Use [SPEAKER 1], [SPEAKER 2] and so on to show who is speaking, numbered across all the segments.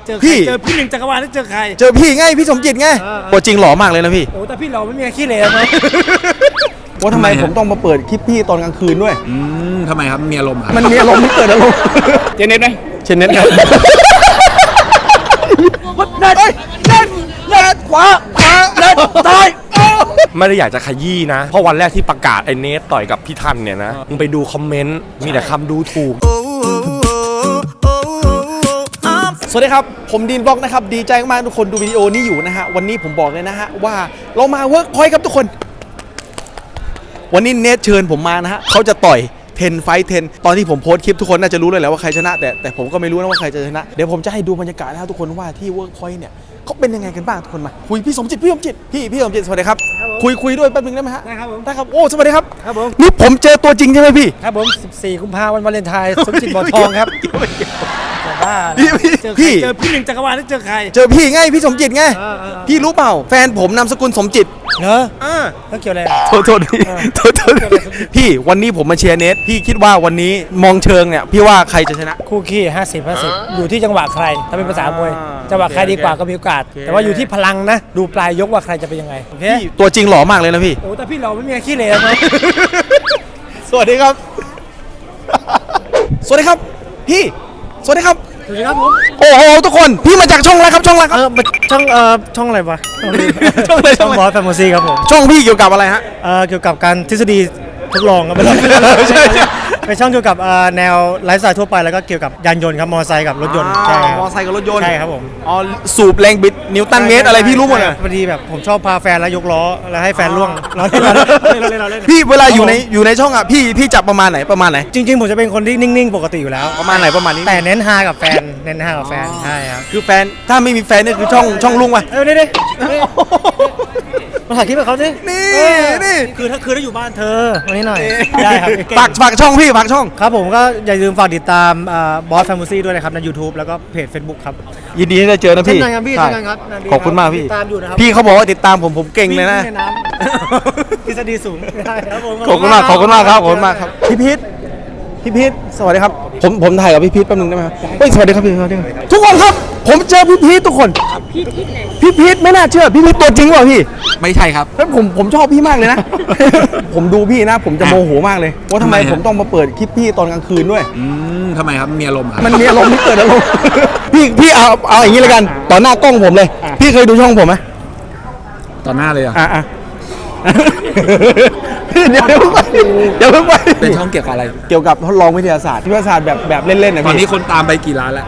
[SPEAKER 1] จอ
[SPEAKER 2] พี่
[SPEAKER 1] เจอพี่หนึ่งจักรวาลแล้วเจอใคร
[SPEAKER 2] เจอพี่ไงพี่สมจิตไงตัวจริงหล่อมากเลยนะพี่
[SPEAKER 1] โอ้แต่พี่เราไม่มีขี้เหร่ไหม
[SPEAKER 2] ว่าทำไมผมต้องมาเปิดคลิปพี่ตอนกลางคืนด้วย
[SPEAKER 3] ทำไมครับมีอารมณ์ครับ
[SPEAKER 2] มันมีอารมณ์ที่เกิดอารมณ์
[SPEAKER 3] เจเน็ตไหม
[SPEAKER 2] เช่นนั้นครับเน็ตขวาเน็ตตาย
[SPEAKER 4] ไม่ได้อยากจะขยี้นะ เพราะวันแรกที่ประกาศไอ้เนทต่อยกับพี่ทันเนี่ยนะ มึงไปดูคอมเมนต์ มีแต่คำดูถูก
[SPEAKER 2] สวัสดีครับผมดีนบล็อกนะครับดีใจมากทุกคนดูวิดีโอนี้อยู่นะฮะวันนี้ผมบอกเลยนะฮะว่าเรามาเวิร์กพอยต์ครับทุกคนวันนี้เนทเชิญผมมานะฮะเขาจะต่อย10 ไฟท์ 10ตอนที่ผมโพสต์คลิปทุกคนน่าจะรู้เลยแหละว่าใครชนะแต่ผมก็ไม่รู้นะว่าใครจะชนะเดี๋ยวผมจะให้ดูบรรยากาศนะครับทุกคนว่าที่เวิร์กพอยต์เนี่ยเขาเป็นยังไงกันบ้างทุกคนมาคุยพี่สมจิตพี่สมจิตสวัสดีครับคุยด้วยแป๊บนึงได้ไหมฮะ
[SPEAKER 1] ได้ครับผม
[SPEAKER 2] ได้ครับโอ้สวัสดีครับ
[SPEAKER 1] ครับผม
[SPEAKER 2] นี่ผมเจอตัวจริงใช่ไหมพี่
[SPEAKER 1] ครับผม14 กุมภาพันธ์วันวาเลนไทน์สมจิตบ่อทองครับแต่ว่า
[SPEAKER 2] พี่
[SPEAKER 1] เจอพี่หนึ่งจักรวาลแล้วเจอใคร
[SPEAKER 2] เจอพี่ไงพี่สมจิตไง
[SPEAKER 1] เออ
[SPEAKER 2] พี่รู้เปล่าแฟนผมนามสกุลสมจิต
[SPEAKER 1] เหรอแล้วเกี่ยวอะไร
[SPEAKER 2] โทษพี่พี่วันนี้ผมมาเชียร์เนทพี่คิดว่าวันนี้มองเชิงเนี่ยพี่ว่าใครจะชนะ
[SPEAKER 1] คู่ขี้50-50อยู่ที่จังหวะใครถ้าเป็นภาษามวยจังหวะใครดีกว่าก็มีโอกาส แต่ว่าอยู่ที่พลังนะดูปลายยกว่าใครจะเป็นยังไงโอเค
[SPEAKER 2] พี่ตัวจริงหล่อมากเลยนะพี่
[SPEAKER 1] โอ้แต่พี่เราไม่มีขี้เหร่ไหม
[SPEAKER 2] สวัสดีครับ สวัสดีครับพี่สวัสดีครับ
[SPEAKER 1] สวัสดีครับผม
[SPEAKER 2] โอ้โหทุกคนพี่มาจากช่องอะไรครับช่องอะไรครับ
[SPEAKER 1] ช่องอะไรวะ
[SPEAKER 2] ช่องอะไร
[SPEAKER 1] ช่องบอสแฟมโมซีครับผม
[SPEAKER 2] ช่องพี่เกี่ยวกับอะไรฮะ
[SPEAKER 1] เกี่ยวกับการทฤษฎีทดลองครับใช่เป็นช่องเกี่ยวกับแนวไลฟ์สไตล์ทั่วไปแล้วก็เกี่ยวกับยานยนต์ครับมอเตอร์ไซค์กับรถยนต์ใช่ครับ
[SPEAKER 2] มอไซค์กับรถยนต์
[SPEAKER 1] ใช่ครับผม
[SPEAKER 2] อ๋อสูบแรงบิดนิวตันเมตรอะไรพี่รู้หมดเลย
[SPEAKER 1] พอดีแบบผมชอบพาแฟนแล้วยกล้อแล้วให้แฟนล่วงเราเล่น
[SPEAKER 2] พี่เวลาอยู่ในช่องอ่ะพี่จับประมาณไหนจริง
[SPEAKER 1] จริงๆผมจะเป็นคนที่นิ่งๆปกติอยู่แล้ว
[SPEAKER 2] ประมาณไหนประมาณนี้
[SPEAKER 1] แต่เน้นฮากับแฟนใช่ครับ
[SPEAKER 2] คือแฟนถ้าไม่มีแฟนนี่คือช่องลุงว่ะ
[SPEAKER 1] นี่มาถ่ายคลิปกับเขาสิ
[SPEAKER 2] นี่
[SPEAKER 1] คือถ้าอยู่บ้านเธอวันนี้หน่อยได้ครับ
[SPEAKER 2] ฝากช่องพี่ฝากช่อง
[SPEAKER 1] ครับผมก็อย่าลืมฝากติดตามบอสแฟม o ซี่ด้วยนะครับใน YouTube แล้วก็เพจ Facebook ครับ
[SPEAKER 2] ยินดีที่ได้เจอนะพี่
[SPEAKER 1] เช่นกันครับพี่
[SPEAKER 2] ใช่
[SPEAKER 1] เช่นกันครับนานดี
[SPEAKER 2] ขอบคุณมากพี่
[SPEAKER 1] ติดตามอยู่นะครับ
[SPEAKER 2] พี่เขาบอกว่าติดตามผมเก่งเลยนะ
[SPEAKER 1] วิ่งในน้ำ ทฤษฎีสูงได้ครับผม
[SPEAKER 2] ขอบคุณมากครับพี่พีทสวัสดีครับผมถ่ายกับพี่พีทแป๊บนึงได้ไหมครับเฮ้ยสวัสดีครับพี่สวัสดีครับทุกคนครับผมเจอพี่พีททุกคนพี่พีทไม่น่าเชื่อพี่พีทตัวจริงเปล่าพี่
[SPEAKER 3] ไม่ใช่ครับ
[SPEAKER 2] แล้วผมชอบพี่มากเลยนะ ผมดูพี่นะผมจะโมโหมากเลยว่าทำไมผมต้องมาเปิดคลิปพี่ตอนกลางคืนด้วย
[SPEAKER 3] ทำไมครับมีอารมณ์ครับ
[SPEAKER 2] มันมีอารมณ์ที่เกิดอารมณ์ พี่เอาอย่างนี้เลยกันต่อหน้ากล้องผมเลย พี่เคยดูช่องผมไหม
[SPEAKER 3] ต่อหน้าเลยอ่ะ
[SPEAKER 2] อ่ะ เดี๋ยวเพิ่งไป
[SPEAKER 3] เป็นช่องเกี่ยวกับอะไร
[SPEAKER 2] เกี่ยวกับทดลองวิทยาศาสตร์แบบเล่นๆนะ
[SPEAKER 3] ตอน
[SPEAKER 2] พี่
[SPEAKER 3] นี้คนตามไปกี่ล้านแล้ว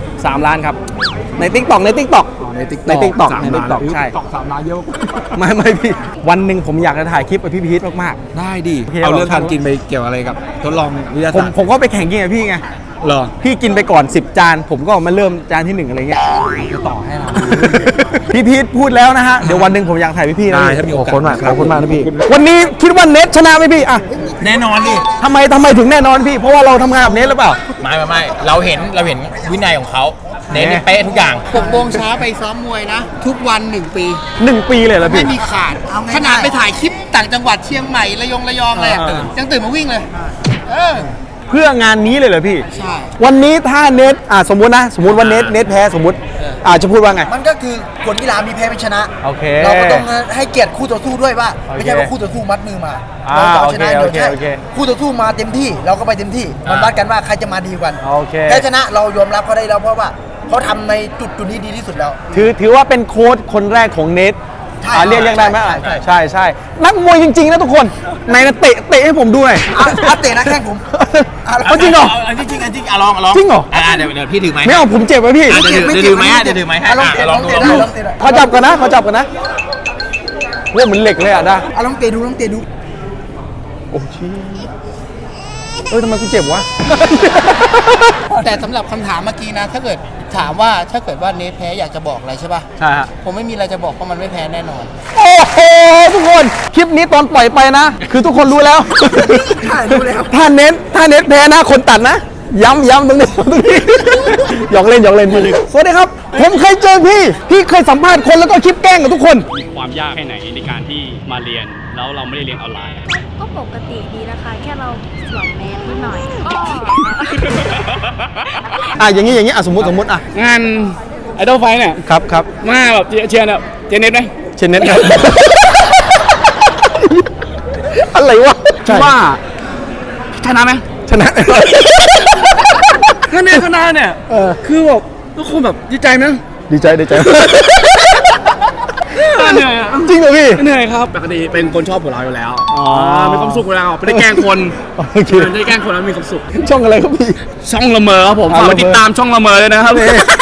[SPEAKER 2] 3 ล้านครับในติ๊กต็อก
[SPEAKER 3] ในติ๊ก
[SPEAKER 2] TikTok
[SPEAKER 3] ใช่
[SPEAKER 2] ใช่
[SPEAKER 3] 3 ล้านเยอะ
[SPEAKER 2] ไม่พี่วันหนึ่งผมอยากจะถ่ายคลิปกับพี่พีทมาก
[SPEAKER 3] ได้ดิ
[SPEAKER 2] โอเค
[SPEAKER 3] เอาเรื่องการกินไปเกี่ยวอะไรกับทดลองวิทยา
[SPEAKER 2] ๆผม
[SPEAKER 3] ศาสตร์
[SPEAKER 2] ผมก็ไปแข่งกินกับพี่ไง
[SPEAKER 3] เหรอ
[SPEAKER 2] พี่กินไปก่อน10 จานผมก็มาเริ่มจานที่1อะไรเงี้ย
[SPEAKER 3] จะต่อให้เรา
[SPEAKER 2] พี่พีทพูดแล้วนะฮะเดี๋ยววันหนึ่งผมอยากถ่ายพี่นะ
[SPEAKER 3] ได้ถ้ามีโอกาส
[SPEAKER 2] ขอบคุณมากนะพี่วันนี้คิดว่าเน็ตชนะไหมพี่อ่ะ
[SPEAKER 3] แน่นอนดิ
[SPEAKER 2] ทำไมถึงแน่นอนพี่เพราะว่าเราทำงานกับเน็ตหรือเปล่า
[SPEAKER 5] ไม่เราเห็นวินัยของเขาเน้นเป๊ะทุกอย่าง
[SPEAKER 6] 6 โมงเช้าไปซ้อมมวยนะ ทุกวัน 1 ปี
[SPEAKER 2] 1 ปีเลยเหรอ
[SPEAKER 6] ไม่
[SPEAKER 2] พี่
[SPEAKER 6] มีขาด ขนาดไปถ่ายคลิปต่างจังหวัดเชียงใหม่ระยองเลยอะยังตื่นมาวิ่งเลย
[SPEAKER 2] เพื่องานนี้เลยเหรอพี่
[SPEAKER 6] ใช่
[SPEAKER 2] วันนี้ถ้าเน็ตสมมติว่าเน็ตแพ้สมมติจะพูดว่าไง
[SPEAKER 7] มันก็คือกฎกีฬามีแพ้เป็นชนะ
[SPEAKER 2] โอเค
[SPEAKER 7] เราก็ต้องให้เกียรติคู่ต่อสู้ด้วยว่าไม่ใช่ว่าคู่ต่อสู้มัดมือมาเราจะเอาชนะ
[SPEAKER 2] โอ
[SPEAKER 7] เดี๋ยว
[SPEAKER 2] เค
[SPEAKER 7] ใช่
[SPEAKER 2] โอเค
[SPEAKER 7] คู่ต่อสู้มาเต็มที่เราก็ไปเต็มที่มันวัดกันว่าใครจะมาดีกว่า
[SPEAKER 2] โอเค
[SPEAKER 7] แพ้ชนะเรายอมรับเขาได้แล้วเพราะว่าเขาทำในจุดนี้ดีที่สุดแล้ว
[SPEAKER 2] ถือว่าเป็นโค้ชคนแรกของเน็ต
[SPEAKER 7] ใช่
[SPEAKER 2] เรียกได้ไหม
[SPEAKER 7] ใช่
[SPEAKER 2] นักมวยจริงๆนะทุกคนไหนนะเตะให้ผมดูหน่อย
[SPEAKER 7] เตะนะแข้งผม
[SPEAKER 2] เอาจริงเหรอ
[SPEAKER 5] อันจริงลอง
[SPEAKER 2] จริงเหรอ
[SPEAKER 5] เดี๋ยวพี่ถือไหม
[SPEAKER 2] ไม่เอาผมเจ็บไว้พี่
[SPEAKER 5] เดี๋ยวถือไหมเดี๋ยวถือไหมให้
[SPEAKER 7] ลองเตะ
[SPEAKER 5] ลองดู
[SPEAKER 7] ได้ลองเตะได้
[SPEAKER 2] ขอจับกันนะว่าเหมือนเหล็กเลยอ่ะได้
[SPEAKER 7] ลองเตะดู
[SPEAKER 2] โอ้ชี้ทำไมกูเจ็บวะ
[SPEAKER 6] แต่สำหรับคำถามเมื่อกี้นะ ถ้าเกิดว่าเนทแพ้อยากจะบอกอะไรใช่ป่ะ
[SPEAKER 2] ใช่ฮะ
[SPEAKER 6] ผมไม่มีอะไรจะบอกเพราะมันไม่แพ้แน่นอน
[SPEAKER 2] โอ้โหทุกคนคลิปนี้ตอนปล่อยไปนะ คือทุกคนรู้แล้ว
[SPEAKER 7] รู้แล้ว
[SPEAKER 2] ถ้าเน็ตแพ้นะคนตัดนะ ย้ำตรงนี้หยอกเล่นพี่สวัสดีครับ ผมเคยเจอพี่เคยสัมภาษณ์คนแล้วก็คลิปแกล้งกับทุกคน
[SPEAKER 8] มีความยากแค่ไหนในการที่มาเรียนแล้วเราไม่ได้เรียนออนไลน์
[SPEAKER 9] ก็ปกติดีนะคะ แค่เราสวมแมสนิดหน่อย
[SPEAKER 2] อย่างนี้สมมติ
[SPEAKER 3] งานไอ
[SPEAKER 8] ดอลไฟเนี่ย
[SPEAKER 2] ครับครับ
[SPEAKER 8] มาแบบเชียร์เนี่ยเจเน็ตไหม
[SPEAKER 2] เชนเน็ตครับ อะไรวะ
[SPEAKER 8] ว่าชนะไหม
[SPEAKER 2] ชนะ
[SPEAKER 8] คะแนนชนะเนี่ยคือแบบทุกคนแบบดีใจไหม
[SPEAKER 2] ดีใจดีใจ
[SPEAKER 8] เหนื่อยอะ
[SPEAKER 2] จริงเหรอพี่
[SPEAKER 8] เหนื่อยครับปกติเป็นคนชอบหัวเราะอยู่แล้วมีความสุขอยู่แล้วไม่ได้แกล้งคน
[SPEAKER 2] โอเค
[SPEAKER 8] ไม่ได้แกล้งคนแล้วมีความสุข
[SPEAKER 2] ช่องอะไรครับพี่
[SPEAKER 8] ช่องละเมอครับผมฝากไปติดตามช่องละเมอเลยนะครับ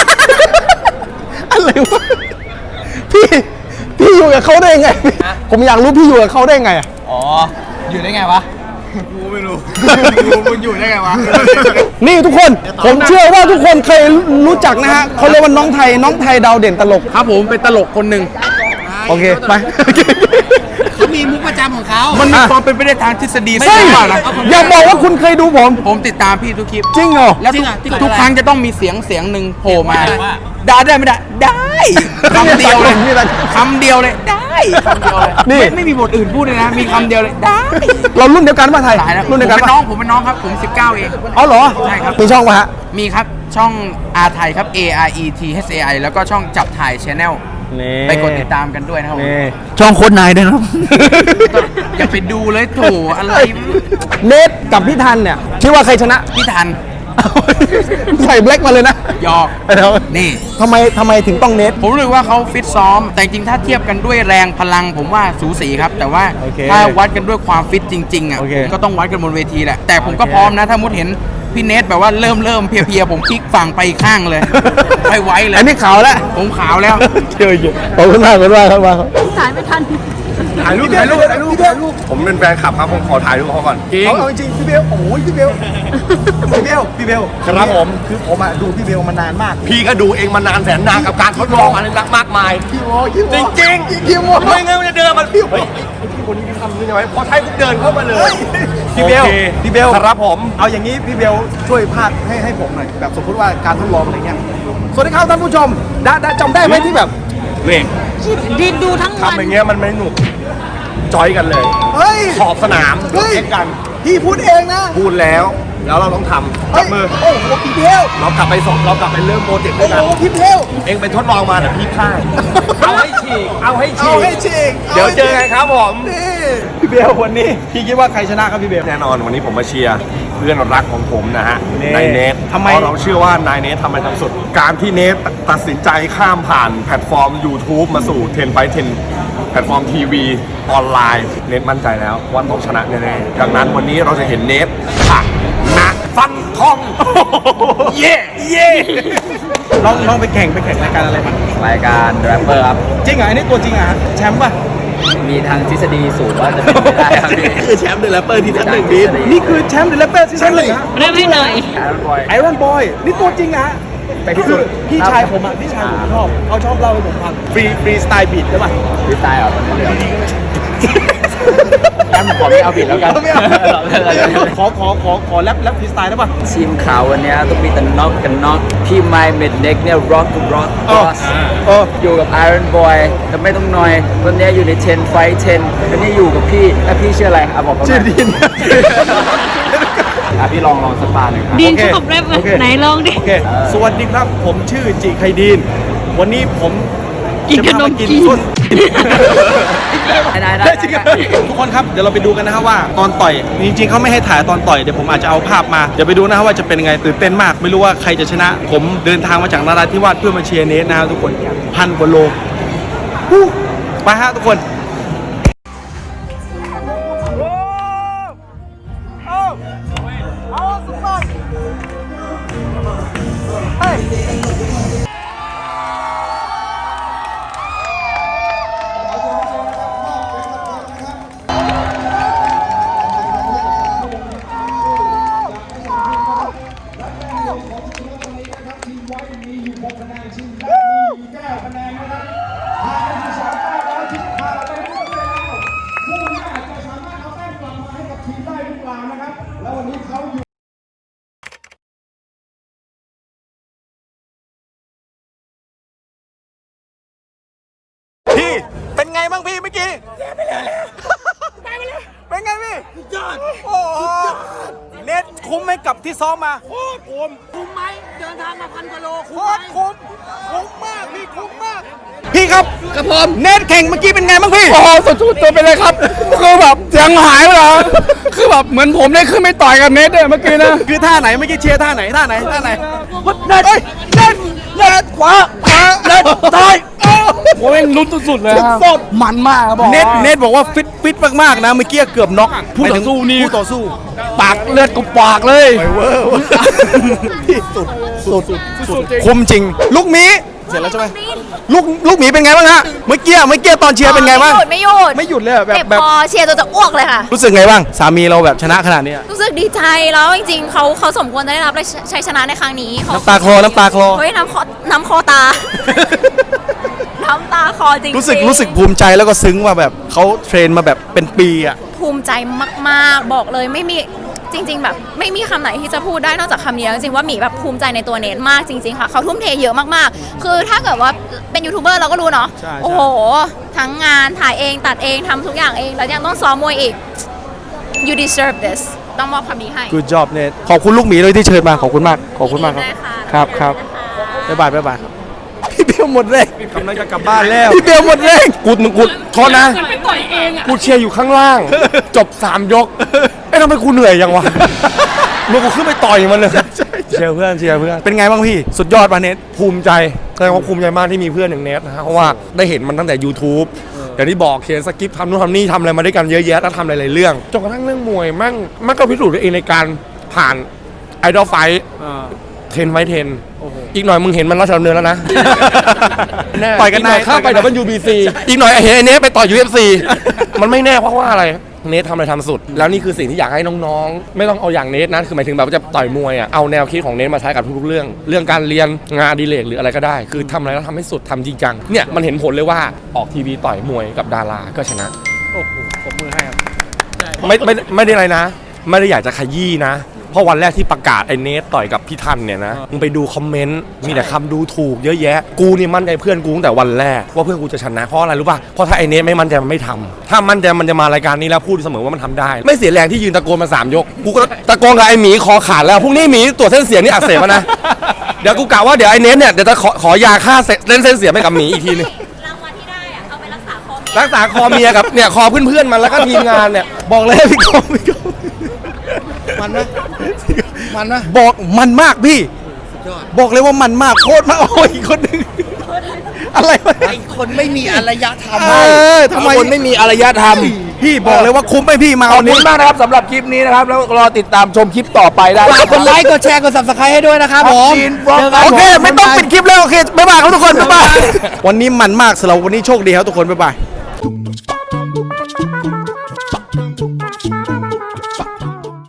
[SPEAKER 2] อะไรวะพี่อยู่กับเขาได้ยังไง ผมอยากรู้พี่อยู่กับเขาได้ยังไงอะ
[SPEAKER 6] อ๋อ อยู่ได้ไงวะ กูไม่รู้ มึงอยู่ได้ไงวะ
[SPEAKER 2] นี่ทุกคนผมเชื่อว่าทุกคนเคยรู้จักนะฮะเขาเรียกว่าน้องไทยดาวเด่นตลก
[SPEAKER 8] ครับผมเป็นตลกคนหนึ่ง
[SPEAKER 2] โอเคไป
[SPEAKER 6] เขามีมุกประจำของเขา
[SPEAKER 8] มันมีความเป็นไปได้ทางทฤษฎี
[SPEAKER 2] ใช่
[SPEAKER 8] เปล่านะ
[SPEAKER 2] อย่าบอกว่าคุณเคยดูผม
[SPEAKER 8] ผมติดตามพี่ทุกคลิป
[SPEAKER 2] จริงเหรอ
[SPEAKER 8] แล้วทุกครั้งจะต้องมีเสียงหนึ่งโผล่มาด่าได้ไม่ได้ได้คำเดียวเลยคำเดียวเลยได้คำเดียวเลย
[SPEAKER 2] นี่
[SPEAKER 8] ไม่มีบทอื่นพูดเลยนะ มีคำเดียวเลยได้
[SPEAKER 2] เรารุ่นเดียวกันป่ะไทย
[SPEAKER 8] ตายแล้ว
[SPEAKER 2] รุ่นเดียวกัน
[SPEAKER 8] ผมเป็น
[SPEAKER 2] ป่ะ
[SPEAKER 8] น้องผมเป็นน้องครับผม 19 เอง
[SPEAKER 2] อ๋อเหรอ
[SPEAKER 8] ใช่ครับ
[SPEAKER 2] มีช่องป่ะฮะ
[SPEAKER 8] มีครับช่องอาไทยครับ A R E T H A I แล้วก็ช่องจับถ่าย Channel ไปกดติดตามกันด้วยนะครับผม
[SPEAKER 2] ช่องโค้ดนายด้วยครับ
[SPEAKER 8] อย่าไปดูเลยโถอะไร
[SPEAKER 2] เนทกับพี่ทันเนี่ยคิดว่าใครชนะ
[SPEAKER 8] พี่ทัน
[SPEAKER 2] ใส่แบล็กมาเลยนะ
[SPEAKER 8] หยอก
[SPEAKER 2] แล้ว
[SPEAKER 8] นี่
[SPEAKER 2] ทำไมถึงต้องเนท
[SPEAKER 8] ผมรู้ว่าเขาฟิตซ้อม แต่จริงๆถ้าเทียบกันด้วยแรงพลังผมว่าสูสีครับ แต่ว่า
[SPEAKER 2] โอเค
[SPEAKER 8] ถ้าวัดกันด้วยความฟิตจริงๆอ่ะ
[SPEAKER 2] โอเค
[SPEAKER 8] ก็ต้องวัดกันบนเวทีแหละ แต่ผมก็
[SPEAKER 2] โอเค
[SPEAKER 8] พร้อมนะ ถ้ามุดเห็นพี่เนทแบบว่าเริ่มเพลียๆผมพลิกฝั่งไปอีกข้างเลย ไม่ไหวเลย
[SPEAKER 2] อันนี้ขาวแล้ว
[SPEAKER 8] ผมขาวแล้ว
[SPEAKER 2] เจออยู่ขอบคุณมากครับ
[SPEAKER 9] ถ่ายไม่ทัน
[SPEAKER 4] ถ่ายรูปผมเป็นแฟนคลับครับผมขอถ่ายรูปเขาก่อนจริง
[SPEAKER 7] เอาจริงพี่เบลโอ้ยพี่เบลพี่เบล
[SPEAKER 4] ครับผม
[SPEAKER 7] คือผมอะดูพี่เบลมานานมาก
[SPEAKER 4] พี่ก็ดูเองมานานแสนนานกับการทดลองอะไรมากมาย
[SPEAKER 7] พี่โมพี่โม
[SPEAKER 4] จริงๆ
[SPEAKER 7] พี่โม
[SPEAKER 4] ไม่งั้นมันจะเดินมาพี่เฮ้ยไอ้พี่คนนี้ทำยังไงพอใช้ปุ๊บเดินเข้ามาเลย
[SPEAKER 7] พี่เบล
[SPEAKER 4] โอค
[SPEAKER 7] พี่เบล
[SPEAKER 4] ครับผม
[SPEAKER 7] เอาอย่างนี้พี่เบลช่วยพากให้ผมหน่อยแบบสมมติว่าการทดลองอะไรเงี้ยสวัสดีครับท่านผู้ชมได้จำได้ไหมที่แบบ
[SPEAKER 4] นี่
[SPEAKER 9] ดินดูทั้งวัน
[SPEAKER 4] ทำอย่างเงี้ยมันไม่หนุกจอยกันเลย
[SPEAKER 7] เฮ้ย
[SPEAKER 4] ขอบสนาม
[SPEAKER 7] เฮ้ย
[SPEAKER 4] เอ็กกัน
[SPEAKER 7] พี่พูดเองนะ
[SPEAKER 4] พูดแล้วเราต้องทำจับมือ
[SPEAKER 7] โอ้โหพี่เบล
[SPEAKER 4] เรากลับไปเริ่มโปรเจกต์ด้
[SPEAKER 7] โอ้
[SPEAKER 4] วยกัน
[SPEAKER 7] โหพี่เบล
[SPEAKER 4] เองไปทดลองมาแต่พี่พ่ายเอาให้ฉีก
[SPEAKER 7] เอาให้ฉีก
[SPEAKER 4] เดี๋ยวเจอกันครับผม
[SPEAKER 7] นี่พี่เบลวันนี้พี่คิดว่าใครชนะครับพี่เบล
[SPEAKER 4] แน่นอนวันนี้ผมมาเชียร์เพื่อนรักของผมนะฮะ
[SPEAKER 7] นี่
[SPEAKER 4] นายเนท
[SPEAKER 7] ทำไม
[SPEAKER 4] เพราะเราเชื่อว่านายเนททำมันทำสุด การที่เนทตัดสินใจข้ามผ่านแพลตฟอร์ม YouTube มาสู่10 by 10แพลตฟอร์มทีวีออนไลน์เนทมั่นใจแล้วว่าต้องชนะแน่ๆดังนั้นวันนี้เราจะเห็นเนทผักนะฟันทอง เย่เย่
[SPEAKER 2] ลองไปแข่งรายการอะไรมาร
[SPEAKER 10] ายการแรปเปอร์ครับ
[SPEAKER 2] จริงเหรออันนี้ตัวจริงเหรอฮะแชมป์ป่ะ
[SPEAKER 10] มีทางทฤษฎีสูตรว่าจะเป็นไปได้ครับพี่
[SPEAKER 2] คือแชมป์เดอะแรปเปอร์ที่ชั้นหนึ่งบีนี่คือแชมป์เดอะแรปเปอร์ที่ชั้นหนึ่งฮะ
[SPEAKER 9] เริ่มให้หน่อย
[SPEAKER 2] ไอรอนบอยนี่ตัวจริงนะฮะ
[SPEAKER 10] ไปที่สุด
[SPEAKER 2] พี่ชายผมอ่ะพี่ชายผมชอบเขาชอบเล่าให้ผมฟังฟรีสไตล์บีทใช่ป่ะ
[SPEAKER 10] พี่ตายเหรอตอนนี้เดี๋ยวงั้นผมขอไม่เอาผิดแล้วกัน
[SPEAKER 2] ไม่เอาขอแรปฟรีสไตล์ได้ป่ะ
[SPEAKER 10] ทีมขาววันเนี้ยต้องมีแต่น็อกกันน็อกพี่ไมค์เมดเน็กเนี่ยร็อกบอสอยู่กับ Iron Boy แต่ไม่ต้องนอยวันเนี้ยอยู่ใน10 Fight 10วันนี้อยู่กับพี่แล้วพี่ชื่ออะไรบอกเขาหน่อย
[SPEAKER 2] ชื่อดิน
[SPEAKER 10] พี่ลองสปาหนึ่งครับ
[SPEAKER 9] ดินชอบแรปไหม
[SPEAKER 2] โอเค
[SPEAKER 9] ไหนลองดิ
[SPEAKER 2] โอเคสวัสดีครับผมชื่อจิไคดีนวันนี้ผม
[SPEAKER 9] กินขนมจีน
[SPEAKER 2] ส้น
[SPEAKER 10] ได้
[SPEAKER 2] ได้จริงครับทุกคนครับเดี๋ยวเราไปดูกันนะครับว่าตอนต่อยจริงๆเขาไม่ให้ถ่ายตอนต่อยเดี๋ยวผมอาจจะเอาภาพมาเดี๋ยวไปดูนะครับว่าจะเป็นยังไงตื่นเต้นมากไม่รู้ว่าใครจะชนะ ผมเดินทางมาจากนราธิวาสเพื่อมาเชียร์เนทนะครับทุกคน1,000 กว่าโลฮู้ไปฮะทุกคนพี่เป็นไงบ้างพี่เมื่อกี้ไปเลยเป็นไงพี่ยอดโอ้โห
[SPEAKER 7] เนทคุ้มไหมกับที่ซ้อมมา
[SPEAKER 6] โคตรคุ้มไหมเดินทางมา1,000 กว่าโล
[SPEAKER 7] โคตรคุ้มมากพี่คุ้มมาก พี่ครับ
[SPEAKER 8] ครับผม
[SPEAKER 7] เนทแข่งเมื่อกี้เป็นไงบ้างพี่
[SPEAKER 8] โอ้โหสุดๆตัวไปเลยครับ คือแบบเสียงหายไปเลยคือแบบเหมือนผมได้ขึ้นไม่ต่อยกับเนทเลยเมื่อกี้นะ
[SPEAKER 7] คือท่าไหนเมื่อกี้เชียร์ท่าไหนท่าไหนท่าไหน
[SPEAKER 8] เนทเนทขวาเนทซ้ายโอ้ยลุ้นสุดๆเลยครับมันมากครับบอก
[SPEAKER 7] เนทบอกว่าฟิตมากๆนะเมื่อกี้เกือบน็อกผู้ต่อสู้
[SPEAKER 8] ปากเลือดกูปากเลย
[SPEAKER 7] พี่สุดคมจริง ลูกหมีเสร็จแล้วใช่ไหมลูกหมีเป็นไงบ้างฮะเมื่อกี้ตอนเชียร์เป็นไงบ้าง
[SPEAKER 9] ไม่หยุด
[SPEAKER 7] ไม่หยุดเลยอะ
[SPEAKER 9] เจ็บ
[SPEAKER 7] แบบ
[SPEAKER 9] คอเชียร์จนจะอ้วกเลยค่ะ
[SPEAKER 7] รู้สึกไงบ้างสามีเราแบบชนะขนาดนี้อะ
[SPEAKER 9] รู้สึกดีใจแล้วจริงๆเขาสมควรจะได้รับชัยชนะในครั้งนี้เข
[SPEAKER 7] น้ำตาคลอ
[SPEAKER 9] เฮ้ยน้ำคอตา น้ำตาคอจริงๆ
[SPEAKER 7] รู้สึกภูมิใจแล้วก็ซึ้งว่าแบบเขาเทรนมาแบบเป็นปีอะ
[SPEAKER 9] ภูมิใจมากๆบอกเลยไม่มีจริง ๆ แบบไม่มีคำไหนที่จะพูดได้นอกจากคำนี้แล้วจริงๆว่าหมีแบบภูมิใจในตัวเนทมากจริงๆค่ะเขาทุ่มเทเยอะมากๆคือถ้าเกิดว่าเป็นยูทูบเบอร์เราก็รู้เนาะโอ้โหทั้งงานถ่ายเองตัดเองทำทุกอย่างเองแล้วยังต้องซ้อมมวยอีก you deserve this ต้องมอบคำนี้ให้
[SPEAKER 7] Good job เนทขอบคุณลูกหมีเลยที่เชิญมาขอบคุณมากครับ
[SPEAKER 9] ได้ค่ะ
[SPEAKER 7] ครับบ๊ายบายพี่เบลหมดแรง
[SPEAKER 4] กำลังจะกลับบ้านแล้ว
[SPEAKER 7] พี่เบลหมดแรง
[SPEAKER 4] กูโทษนะกูเชียร์อยู่ข้างล่าง จบ 3 ยกเอ้ทำไมกูเหนื่อยยังวะมึงกูขึ้นไปต่อยมันเลยเชียร์เพื่อน
[SPEAKER 7] เป็นไงบ้างพี่สุดยอดป่ะเนท
[SPEAKER 4] ภูมิใจแสดงว่าภูมิใจมากที่มีเพื่อนอย่างเนทนะฮะเพราะว่าได้เห็นมันตั้งแต่ YouTube อย่างที่บอกเขียนสคริปต์ทำนู่นทำนี่ทำอะไรมาด้วยกันเยอะแยะแล้วทำหลายๆเรื่องจนกระทั่งเรื่องมวยมันก็พิสูจน์ตัวเองในการผ่านไอดอลไฟท์10 ไฟท์ 10อีกหน่อยมึงเห็นมันราชดำเนินแล้วนะ
[SPEAKER 7] ต่อยกัน
[SPEAKER 4] หน่อย
[SPEAKER 7] นาย
[SPEAKER 4] ข้ามไป WBC อีกหน่อยเห็นไอ้เนทไปต่อย UFC มันไม่แน่เพราะว่าอะไรเนททำอะไรทำสุด แล้วนี่คือสิ่งที่อยากให้น้องๆ ไม่ต้องเอาอย่างเนทนะคือหมายถึงแบบว่าจะต่อยมวยอ่ะเอาแนวคิดของเนทมาใช้กับทุกๆเรื่องการเรียนงานอดิเรกหรืออะไรก็ได้ คือทำอะไรแล้วทำให้สุดทำจริงจังเนี่ยมันเห็นผลเลยว่าออกทีวีต่อยมวยกับดาราก็ชนะ
[SPEAKER 7] โอ้โหผมมือให้ครับ
[SPEAKER 4] ไม่ได้อะไรนะ ไม่ได้อยากจะขยี้นะ เพราะวันแรกที่ประกาศไอ้เนทต่อยกับพี่ทันเนี่ยนะมึงไปดูคอมเมนต์มีแต่คำดูถูกเยอะแยะกูนี่มั่นใจเพื่อนกูตั้งแต่วันแรกว่าเพื่อนกูจะชนะเพราะอะไรรู้ป่ะเพราะถ้าไอ้เนทไม่มั่นใจมันไม่ทำถ้ามั่นใจมันจะมารายการนี้แล้วพูดเสมอว่ามันทำได้ ไม่เสียแรงที่ยืนตะโกนมา3 ยกกูก็ตะโกนกับไอ้หมีคอขาดแล้วพรุ่งนี้หมีตรวจเส้นเสียงนี่อักเสบแล้วนะเดี๋ยวกูกะว่าเดี๋ยวไอ้เนทเนี่ยเดี๋ยวจะขอยาฆ่าเส้นเสียงให้กับหมีอีกทีนึง
[SPEAKER 9] รางวัลที่ได้อะเอาไปรักษาคอ
[SPEAKER 4] รักษาคอเมียกับเนี่ยคอเพื่อนๆมันแล้วก็ทีมงานเนี่ยบอกเลยพี่กอง
[SPEAKER 7] มันนะบอกมันมากพี่บอกเลยว่ามันมากโคตรมากโอ้ยอีกคนนึงอะไรวะ
[SPEAKER 6] ไอ้คนไม่มีอารยธรรม
[SPEAKER 7] ทำไม
[SPEAKER 8] คนไม่มีอารยธรรม
[SPEAKER 7] พี่บอกเลยว่าคุ้มไหมพี่มา
[SPEAKER 8] ขอบ
[SPEAKER 7] วัน
[SPEAKER 8] คุ
[SPEAKER 7] นี้
[SPEAKER 8] ณมากนะครับสำหรับคลิปนี้นะครับ แล้วรอติดตามชมคลิปต่อไปได้
[SPEAKER 6] ฝากกดไลค์ กดแชร์ กด subscribe ให้ด้วยนะครับผม
[SPEAKER 7] โอเคไม่ต้องปิดคลิปแล้วโอเคบ๊ายบายครับทุกคนบ๊ายบายวันนี้มันมากสำหรับวันนี้โชคดีครับทุกคนบ๊ายบาย